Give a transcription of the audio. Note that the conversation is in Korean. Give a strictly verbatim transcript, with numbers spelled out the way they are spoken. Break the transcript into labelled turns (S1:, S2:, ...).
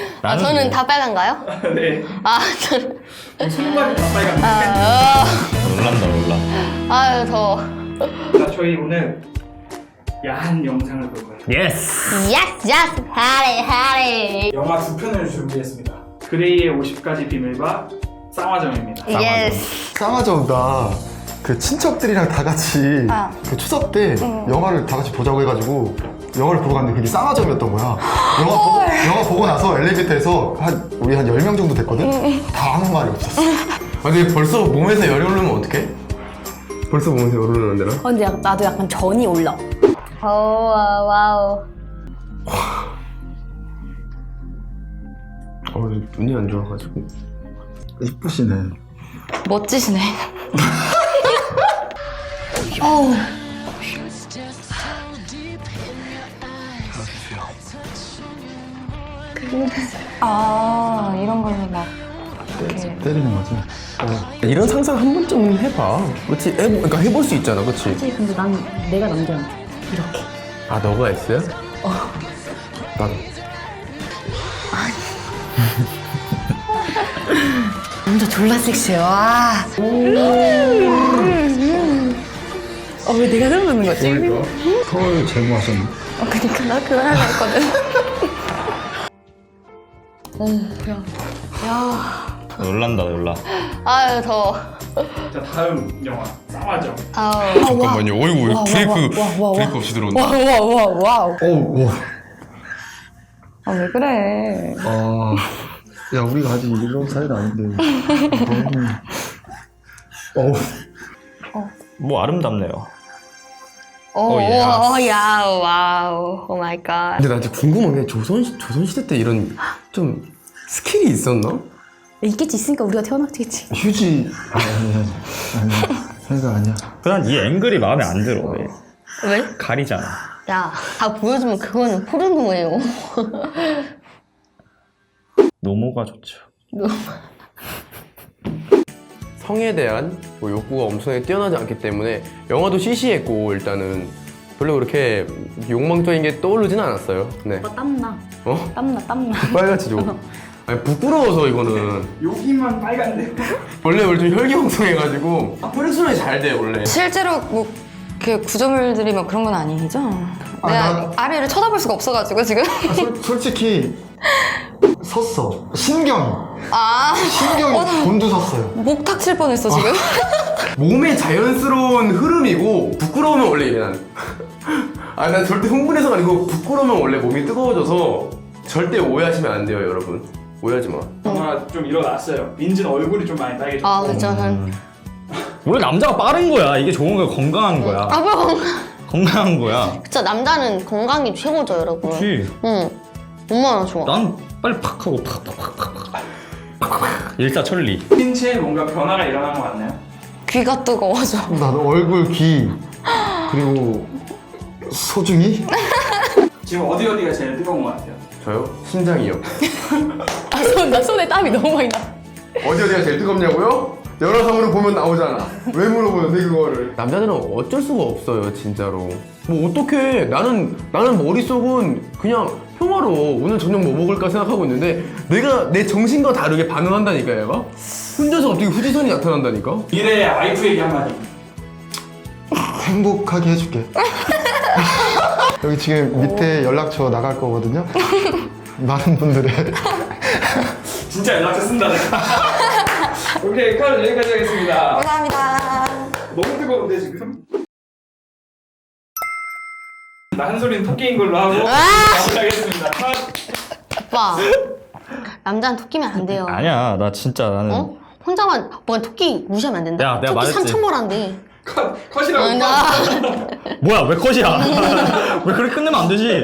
S1: 아, 저는 다 빨간가요?
S2: 네.
S1: 아, 저는.
S2: 손발이 다 빨간데.
S1: 아,
S3: 놀란다 놀라.
S1: 아유, 더워.
S2: 자, 저희 오늘 야한 영상을 볼 거예요.
S3: 예스.
S1: 예스, 예스, 하리, 하리.
S2: 영화 두 편을 준비했습니다. 그레이의 오십 가지 비밀과 쌍화점입니다.
S1: 예스.
S4: 쌍화점다 그 친척들이랑 다 같이
S1: 아.
S4: 그 추석 때 영화를 다 같이 보자고 해가지고 영화를 보러 갔는데 그게 쌍화점이었던 거야. 영화, 보, 영화 보고 나서 엘리베이터에서 한 우리 한 열 명 정도 됐거든? 다 아무 말이 없었어.
S5: 아 근데 벌써 몸에서 열이 오르면 어떡해? 벌써 몸에서 열이 오르는데나?
S6: 어, 근데 약- 나도 약간 전이 올라.
S1: 오, 와우, 와우.
S5: 어 눈이 안 좋아가지고.
S4: 이쁘시네.
S6: 멋지시네. 어우. 아, 이런 걸로 막 이렇게.
S4: 때리는 거지.
S5: 이런 상상 한 번쯤 해봐. 그치? 해, 그러니까 해볼 수 있잖아, 그치?
S6: 그치, 근데 난 내가 남자한테 이렇게.
S5: 아 너가 S야? 어. 나도.
S6: 남자 졸라 섹시해. 와. 어, 왜 내가 생각나는 거지?
S4: 서울 제모하셨네.
S6: 어, 그니까 나 그거 하려 했거든.
S3: 놀란다 놀라.
S1: 아유, 더워.
S2: 자, 다음 영화 쌍화점.
S1: 아우.
S5: 잠깐만요. 어이구
S6: 와,
S5: 브레이크
S6: 와, 와, 와,
S5: 브레이크 없이 들어온다.
S6: 와, 와, 와, 와우.
S4: 어우, 와.
S6: 아, 왜 그래?
S4: 아, 야, 우리가 아직 이런 사이는 아닌데. 어우.
S3: 뭐 아름답네요.
S1: 오,
S3: 오, 예스.
S1: 오, 야우, 와우. 오 마이 갓.
S5: 근데 나 진짜 궁금한 게 조선 조선 시대 때 이런 좀 스킬이 있었나?
S6: 있겠지, 있으니까 우리가 태어났겠지.
S4: 휴지. 아니, 아니, 아니. 아니, 생각 아니야.
S3: 그냥 이 앵글이 마음에 안 들어. 왜?
S1: 왜?
S3: 가리잖아.
S1: 야, 다 보여주면 그거는 포르노예요.
S3: 노모가 좋죠.
S5: 성에 대한 뭐 욕구가 엄청나게 뛰어나지 않기 때문에 영화도 시시했고 일단은 별로 그렇게 욕망적인 게 떠오르진 않았어요. 네.
S6: 오빠 땀나.
S5: 어?
S6: 땀나, 땀나.
S5: 빨갛지 좀. 아니 부끄러워서 이거는
S2: 여기만 빨간데.
S5: 원래 원래 좀 혈기왕성해가지고 혈액순환이 잘 돼 원래.
S6: 실제로 뭐 이렇게 구조물들이 뭐 그런 건 아니죠?
S4: 아,
S6: 내가
S4: 나-
S6: 아래를 쳐다볼 수가 없어가지고 지금.
S4: 아, 솔, 솔직히 섰어. 신경.
S6: 아,
S4: 신경이 곤두섰어요.
S6: 목 탁칠 뻔했어 지금.
S5: 몸의 자연스러운 흐름이고 부끄러우면 원래 이래 난. 아 난 절대 흥분해서가 아니고 부끄러우면 원래 몸이 뜨거워져서 절대 오해하시면 안 돼요 여러분. 오해하지 마.
S2: 영화 좀 일어났어요. 민지는 얼굴이 좀 많이 빨개졌고.
S1: 아, 그쵸. 는
S3: 원래 남자가 빠른 거야. 이게 좋은 거야. 건강한 거야.
S1: 아, 뭐 건강.
S3: 건강한 거야.
S1: 그쵸, 남자는 건강이 최고죠, 여러분.
S3: 그렇지.
S1: 응. 얼마나 좋아.
S3: 난 빨리 팍 하고 팍팍팍팍팍. 일사천리.
S2: 신체에 뭔가 변화가 일어난 거 같나요?
S6: 귀가 뜨거워져.
S4: 나도 얼굴, 귀, 그리고 소중히?
S2: 지금 어디 어디가 제일 뜨거운 거 같아요?
S5: 저요? 심장이요.
S6: 아, 손, 나 손에 땀이 너무 많이 나.
S5: 어디 어디가 제일 뜨겁냐고요? 열화상으로 보면 나오잖아. 왜 물어보는데 그거를? 남자들은 어쩔 수가 없어요, 진짜로. 뭐 어떡해? 나는 나는 머릿속은 그냥 평화로 오늘 저녁 뭐 먹을까 생각하고 있는데 내가 내 정신과 다르게 반응한다니까 얘가. 혼자서 어떻게 후지선이 나타난다니까?
S2: 미래의 와이프에게 한마디.
S4: 행복하게 해줄게. 여기 지금 밑에 연락처 나갈 거거든요. 많은 분들의
S2: 진짜 연락처 쓴다 내가. 오케이, 칼 여기까지 하겠습니다.
S6: 감사합니다.
S2: 너무 뜨거운데 지금? 나 한 소리는 토끼인 걸로 하고 마무리하겠습니다. 컷.
S1: 오빠. 남자는 토끼면 안 돼요.
S3: 아니야. 나 진짜 나는.
S1: 어? 혼자만, 뭔 토끼 무시하면 안 된다.
S3: 야, 내가
S1: 토끼
S3: 말했지.
S1: 삼천벌한데.
S2: 컷. 컷이라고.
S1: 아, 나.
S3: 뭐야? 왜 컷이야? 왜 그렇게 끝내면 안 되지?